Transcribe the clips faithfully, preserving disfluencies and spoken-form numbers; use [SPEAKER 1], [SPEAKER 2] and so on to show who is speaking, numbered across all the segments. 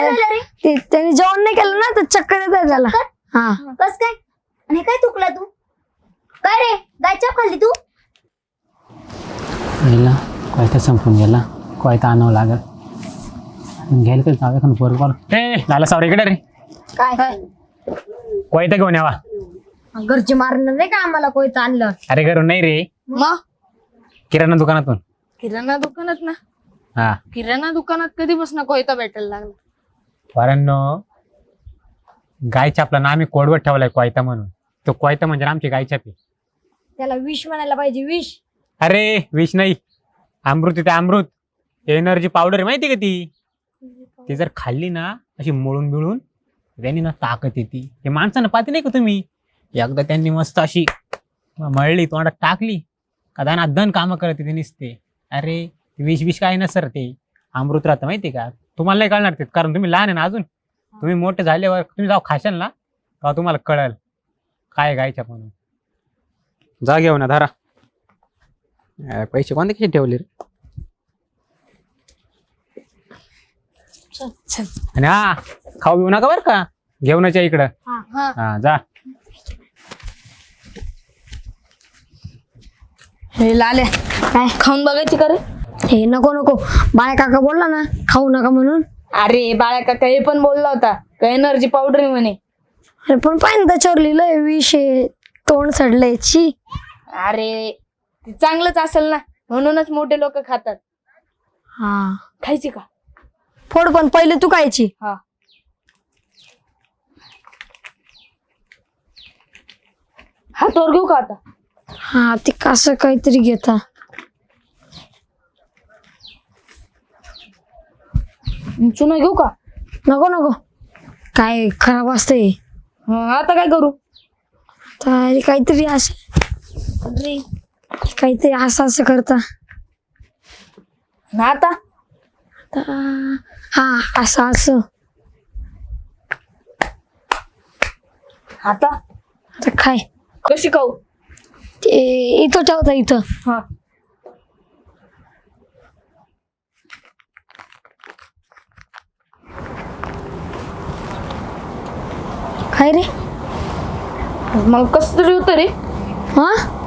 [SPEAKER 1] काय झालं रे?
[SPEAKER 2] ते त्याने जेवण नाही केलं ना तर चक्कर येत त्याला. हा
[SPEAKER 1] कस काय? आणि काय चुकला तू? काय रे गायचाप खाल्ली तू?
[SPEAKER 3] गेला कोयता संपून गेला, कोयता आणावं लागल. घ्यायला काही जागा खान पोर कॉल ए झाला सावरे इकडे रे.
[SPEAKER 2] काय
[SPEAKER 3] कोयता घेऊन यावा.
[SPEAKER 2] घरचे मारणार नाही का आम्हाला कोयतं आणलं?
[SPEAKER 3] अरे घरून नाही रे,
[SPEAKER 2] मग
[SPEAKER 3] किराणा दुकानातून.
[SPEAKER 4] किराणा दुकानात ना?
[SPEAKER 3] हा
[SPEAKER 4] किराणा दुकानात कधीपासून कोयता भेटायला लागला?
[SPEAKER 3] कारण गाय छापला ना आम्ही कोडवत ठेवलाय कोयता म्हणून. तो कोयता म्हणजे आमची गाय छापी.
[SPEAKER 2] त्याला विष म्हणायला पाहिजे, विष.
[SPEAKER 3] अरे विष नाही, अमृत आहे ते अमृत. एनर्जी पावडर आहे माहिती का ती. ती जर खाल्ली ना अशी मळून बिळून त्यांनी ना ताकद येते. हे माणसानं पाहते नाही का तुम्ही, एकदा त्यांनी मस्त अशी मळली तोंडात टाकली का दाना दन कामं करते ते निसते. अरे विष विष काय नसर ते अमृत राहतं माहिती का. तुम्हाला नाही कळणार ते, कारण तुम्ही लहान आहे ना अजून. तुम्ही मोठे झाल्यावर तुम्ही जाऊ खाशाल ना तेव्हा तुम्हाला कळल काय गायच्या म्हणून. जा घेऊ ना धारा. पैसे कोणते कसे ठेवले रे. आणि हा खाऊ घेऊ नका बरं का, घेऊनच्या इकडं. हा जा.
[SPEAKER 2] हे लाल्या
[SPEAKER 4] काय खाऊन बघायची का रे?
[SPEAKER 2] हे नको नको, बाळा काका बोलला ना खाऊ नका म्हणून.
[SPEAKER 4] अरे बाळा काका हे पण बोलला होता का एनर्जी पावडर आहे म्हणे.
[SPEAKER 2] अरे पण पाहिजे त्याच्यावर लिहिलंय विष आहे, तोंड सडलंय. ची.
[SPEAKER 4] अरे ते चांगलंच असेल ना, म्हणूनच मोठे लोक खातात.
[SPEAKER 2] हा
[SPEAKER 4] खायची का?
[SPEAKER 2] फोड पण पहिले तू खायची.
[SPEAKER 4] हा हातावर घेऊ का आता?
[SPEAKER 2] हा ती कसं काहीतरी घेता.
[SPEAKER 4] चुना घेऊ का?
[SPEAKER 2] नको नको, काय खराब असतंय.
[SPEAKER 4] हा, आता काय करू?
[SPEAKER 2] तर काहीतरी असं
[SPEAKER 4] अरे
[SPEAKER 2] काहीतरी असं असं करता.
[SPEAKER 4] ना आता
[SPEAKER 2] आता हा असं असं.
[SPEAKER 4] आता
[SPEAKER 2] आता काय
[SPEAKER 4] कशी खाऊ?
[SPEAKER 2] ते इथं ठेवता इथं.
[SPEAKER 4] हा
[SPEAKER 2] काय रे.
[SPEAKER 4] मला कस तरी होतं रे.
[SPEAKER 2] हा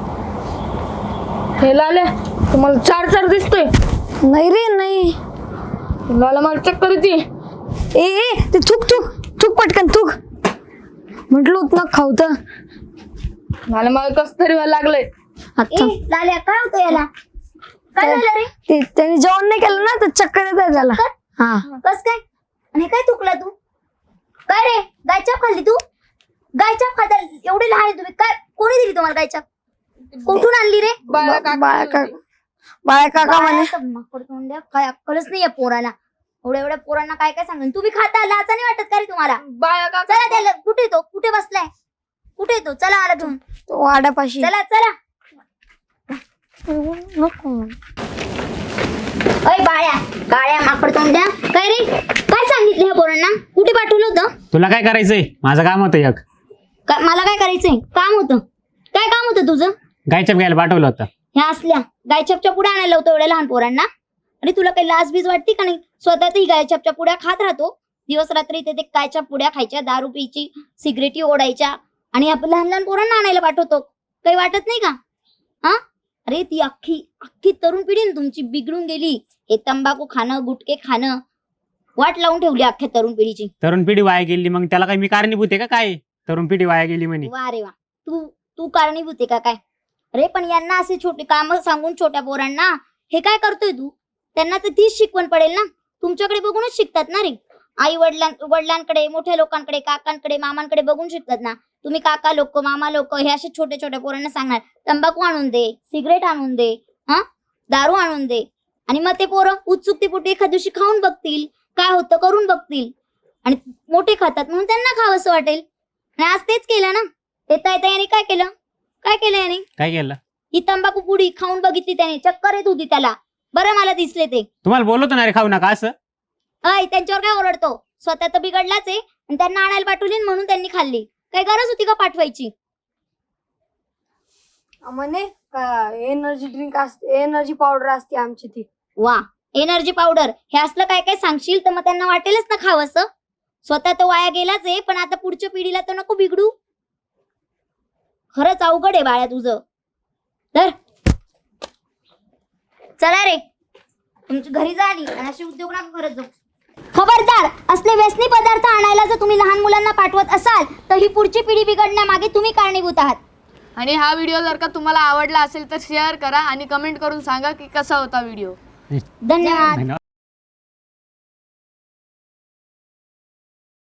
[SPEAKER 4] हे लाल्या तुम्हाला चार चार दिसतोय.
[SPEAKER 2] नाही रे नाही.
[SPEAKER 4] लाला मला चक्कर येते.
[SPEAKER 2] ए ए ते थुक थुक थुक पटकन थुक. म्हटलं होत ना खाऊ तर.
[SPEAKER 4] मला मला कस तरी व्हायला लागलंय.
[SPEAKER 2] आता
[SPEAKER 1] ए लाल्या काय होतं याला? काय झालं रे?
[SPEAKER 2] ते त्याने जेवण नाही केलं ना तर चक्कर येत त्याला. हा
[SPEAKER 1] कस काय? आणि काय चुकला तू? काय रे गायचाप खाल्ली तू? गायचाप खाता एवढे लहान आहे तुम्ही, काय कोणी दिली तुम्हाला गायचाप? कुठून आणली रे?
[SPEAKER 4] बाळा काका
[SPEAKER 2] बाळा काका बाळा काका म्हणे.
[SPEAKER 1] बाळा, माकड तोंड्या, काय अक्कलच नाही या पोराला. एवढ्या एवढ्या पोरांना काय काय सांगेल. तुम्ही खाता लाचा नाही वाटत का रे तुम्हाला?
[SPEAKER 4] बाळा काका
[SPEAKER 1] चला त्याला, कुठे तो कुठे बसलाय? कुठे तो? चला आला घेऊन.
[SPEAKER 2] तो वाड्यापाशी.
[SPEAKER 1] चला चला.
[SPEAKER 2] नको.
[SPEAKER 1] अय बाळ्या काळ्या माकड तोंड्या, काय रे काय सांगितलं ह्या पोरांना? कुठे पाठवलं होतं?
[SPEAKER 3] तुला काय करायचंय? माझं काम होतं एक.
[SPEAKER 1] का- मला काय करायचंय? काम होतं. काय काम होतं तुझं?
[SPEAKER 3] गायछाप घ्यायला पाठवलं होतं.
[SPEAKER 1] ह्या असल्या गायछापच्या पुड्या आणायला होतं एवढ्या लहान पोरांना? आणि तुला काही लाज बीज वाटते का नाही? स्वतः ही गायछापच्या पुड्या खात राहतो दिवस रात्री. ते गायच्या पुड्या खायच्या, दारू प्यायची, सिगरेटी ओढायच्या, आणि आपण लहान लहान पोरांना आणायला पाठवतो. काही वाटत नाही का? हा अरे ती अख्खी अख्खी तरुण पिढी ना तुमची बिघडून गेली. हे तंबाखू खाणं, गुटके खाणं वाट लावून ठेवली अख्ख्या तरुण पिढीची.
[SPEAKER 3] तरुण पिढी वाया गेली, मग त्याला काय मी कारणीभूत आहे का काय? तरुण पिढी वाया गेली म्हणे.
[SPEAKER 1] वा रे वा, तू तू कारणीभूत आहे का काय? अरे पण यांना असे छोटे काम सांगून छोट्या पोरांना हे काय करतोय तू? त्यांना तर तीच शिकवण पडेल ना. तुमच्याकडे बघूनच शिकतात ना रे. आई वडिलां वडिलांकडे, मोठ्या लोकांकडे, काकांकडे, मामांकडे बघून शिकतात ना. तुम्ही काका लोक, मामा लोक हे असे छोट्या छोट्या पोरांना सांगणार तंबाखू आणून दे, सिगरेट आणून दे, हा दारू आणून दे, आणि मग ते पोरं उत्सुकतेपोटी एखाद दिवशी खाऊन बघतील, काय होतं करून बघतील, आणि मोठे खातात म्हणून त्यांना खावं असं वाटेल. आणि आज तेच केलं ना. येता येता याने काय केलं? काय केलं याने?
[SPEAKER 3] काय केलं?
[SPEAKER 1] ही तंबाखू पुडी खाऊन बघितली त्याने, चक्कर येत होती त्याला. बरं मला दिसले ते.
[SPEAKER 3] तुम्हाला बोलवतो ना रे खाऊ नका असं.
[SPEAKER 1] अय त्यांच्यावर काय ओरडतो? स्वतः तर बिघडलाच आहे आणि त्यांना आणायला पाठवली म्हणून त्यांनी खाल्ली. काय गरज होती का पाठवायची?
[SPEAKER 2] म्हणे एनर्जी ड्रिंक असते, एनर्जी पावडर असते आमची ती.
[SPEAKER 1] वा, एनर्जी पावडर हे असलं काय काय सांगशील तर मग त्यांना वाटेलच ना खावंसं. स्वतः तो वाया गेलाच आहे, पण आता पुढच्या पिढीला तर नको बिघडू. खरंच अवघड आहे बाळा तुझं. तर चला रे, तुमची घरी जा आली आणि असे उद्योग नका करत जाऊ. खबरदार, असले व्यसनी पदार्थ आणायला जर तुम्ही लहान मुलांना पाठवत असाल तर ही पुढची पिढी बिघडण्यामागे तुम्ही कारणीभूत आहात.
[SPEAKER 4] आणि हा व्हिडिओ जर का तुम्हाला आवडला असेल तर शेअर करा आणि कमेंट करून सांगा की कसा होता व्हिडिओ.
[SPEAKER 1] धन्यवाद.